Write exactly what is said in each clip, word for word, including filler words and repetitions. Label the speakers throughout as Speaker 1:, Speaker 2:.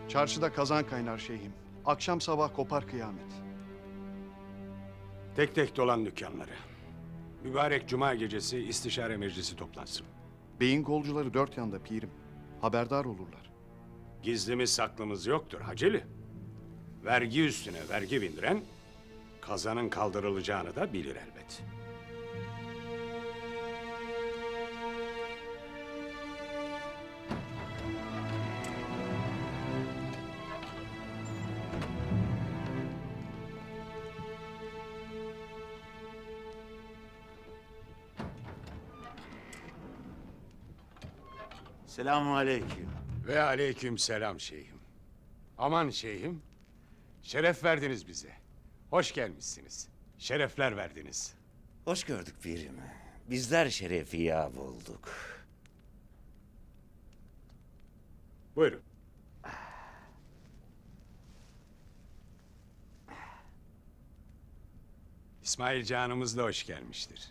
Speaker 1: Çarşıda kazan kaynar şeyhim. Akşam sabah kopar kıyamet.
Speaker 2: Tek tek dolan dükkanları. Mübarek cuma gecesi istişare meclisi toplansın.
Speaker 1: Beyin kolcuları dört yanda pirim. Haberdar olurlar.
Speaker 2: Gizlimiz saklımız yoktur Haceli. Vergi üstüne vergi bindiren kazanın kaldırılacağını da bilir elbet.
Speaker 3: Selamun aleyküm.
Speaker 2: Ve aleyküm selam şeyhim. Aman şeyhim, şeref verdiniz bize. Hoş gelmişsiniz. Şerefler verdiniz.
Speaker 3: Hoş gördük pirim. Bizler şerefi ya bulduk.
Speaker 2: Buyurun. İsmail canımız da hoş gelmiştir.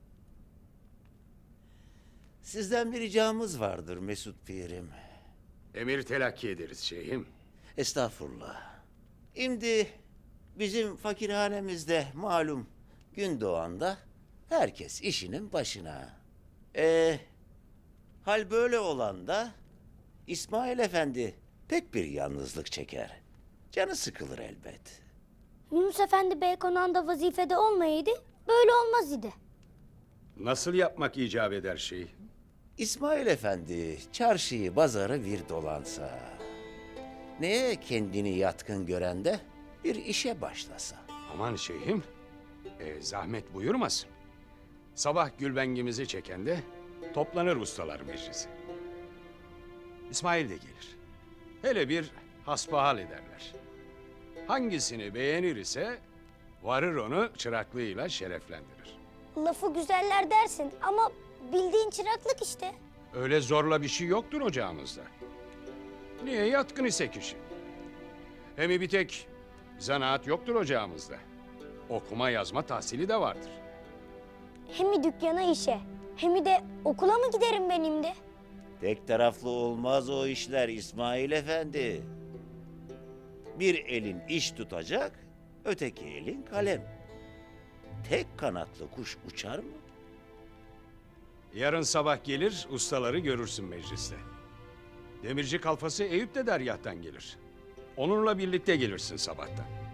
Speaker 3: Sizden bir ricamız vardır Mesut pirim.
Speaker 2: Emir telakki ederiz şeyhim.
Speaker 3: Estağfurullah. Şimdi bizim fakirhanemizde malum gün doğanda herkes işinin başına. Ee, hal böyle olan da İsmail Efendi pek bir yalnızlık çeker. Canı sıkılır elbet.
Speaker 4: Yunus Efendi Bey konağında vazifede olmayaydı, böyle olmaz idi.
Speaker 2: Nasıl yapmak icap eder şeyhim?
Speaker 3: İsmail Efendi çarşıyı pazarı bir dolansa, neye kendini yatkın gören de bir işe başlasa.
Speaker 2: Aman şeyhim, e, zahmet buyurmasın. Sabah gülbengimizi çekende toplanır ustalar meclisi. İsmail de gelir. Hele bir hasbihal ederler. Hangisini beğenir ise varır onu çıraklığıyla şereflendirir.
Speaker 4: Lafı güzeller dersin ama bildiğin çıraklık işte.
Speaker 2: Öyle zorla bir şey yoktur ocağımızda. Niye yatkın ise kişi? Hem bir tek zanaat yoktur ocağımızda. Okuma yazma tahsili de vardır.
Speaker 4: Hem dükkana işe, hem de okula mı giderim benim de?
Speaker 3: Tek taraflı olmaz o işler İsmail Efendi. Bir elin iş tutacak, öteki elin kalem. Tek kanatlı kuş uçar mı?
Speaker 2: Yarın sabah gelir, ustaları görürsün mecliste. Demirci kalfası Eyüp de deryahtan gelir. Onunla birlikte gelirsin sabahtan.